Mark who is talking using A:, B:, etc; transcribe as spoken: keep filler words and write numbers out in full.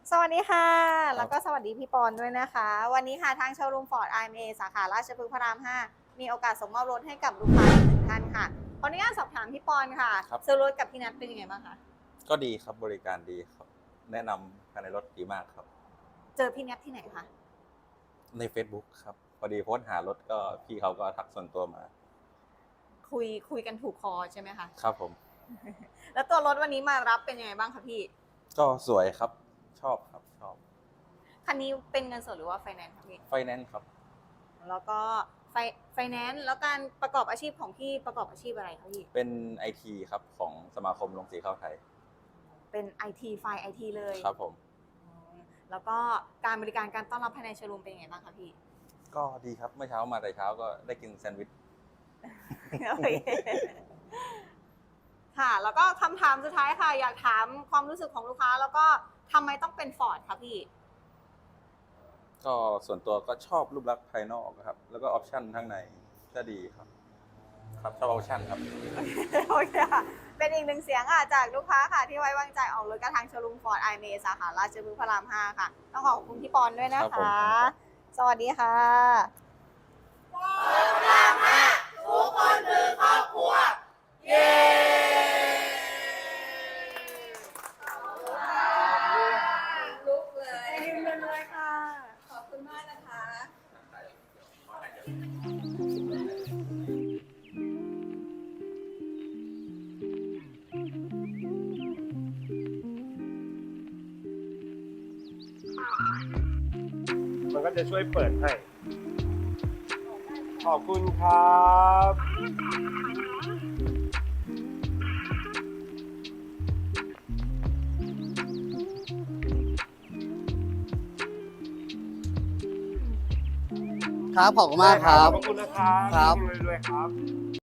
A: สวัสดีค่ะ
B: ค
A: แล
B: ร้ับ
A: วก็สวัสดีพี่ปอนด้วยนะคะ วันนี้ค่ะทางโชว์รูม Ford ไอ เอ็ม เอ สาขาราชพฤกษ์พระราม ห้า มีโอกาสส่งมอบรถให้กับลูกค้าอีกหนึ่งท่านค่ะ ขออนุญาตสอบถามพี่ปอนค่ะ
B: ครับ
A: ซื้อรถกับพี่นัทเป็นยังไงบ้างคะ?
B: ก็ดีครับ บริการดีครับ แนะนำภายในรถดีมากครับ
A: เจอพี่นัทที่ไหนคะ?
B: ในเฟซบุ๊กครับ พอดีโพสต์หารถ ก็พี่เขาก็ทักส่วนตัวมา
A: คุย คุยกันถูกคอใช่ไหมคะ?
B: ครับผม
A: แล้วตัวรถวันนี้มารับเป็นยังไงบ้างคะพี่?
B: ก็สวยครับ ชอบครับ ชอบ
A: คันนี้เป็นเงินสดหรือว่าไฟแนนซ์คะพี่?
B: ไฟแนนซ์ครับ
A: แล้วก็ไฟ ไฟแนนซ์ แล้วการประกอบอาชีพของพี่ประกอบอาชีพอะไรคะพี่?
B: เป็นไอทีครับ ของสมาคมโรงสีข้าวไทย
A: เป็นไอที ฝ่ายไอทีเลย
B: ครับผม
A: อืม แล้วก็การบริการการต้อนรับภายในโชว์รูมเป็นยังไงบ้างคะพี่?
B: ก็ดีครับ เมื่อเช้ามาแต่เช้าก็ได้กินแซนด์วิช
A: โอเค ค่ะ แล้วก็คำถามสุดท้ายค่ะ อยากถามความรู้สึกของลูกค้า แล้วก็ทำไมต้องเป็น Ford คะพี่?
B: ก็ส่วนตัวก็ชอบรูปลักษณ์ภายนอกอะครับ แล้วก็ออปชันข้างในก็ดีครับ ครับ ชอบออปชันครับ
A: โอเคค่ะ เป็นอีกหนึ่งเสียงค่ะจากลูกค้าค่ะ ที่ไว้วางใจออกรถกับทางโชว์รูม Ford ไอ เอ็ม เอ สาขาราชพฤกษ์พระราม ห้า ค่ะ ต้องขอขอบคุณพี่ปอนด้วยนะ
B: ครับผ
A: คะ
B: ม
A: สวัสดีค่ะ
C: Ford พระราม ห้า ทุกคนคือครอบครัว เย้ ขอบคุณค่ะ ลุกเลย
A: ยืนเลยค่ะ
C: ขอบคุณมากนะคะ
D: มันก็จะช่วยเปิดให้ ขอบคุณครับ
E: ครับ ขอบคุณมากครับ
D: ขอบคุณนะครับ
E: ครับ
D: รวยๆครับ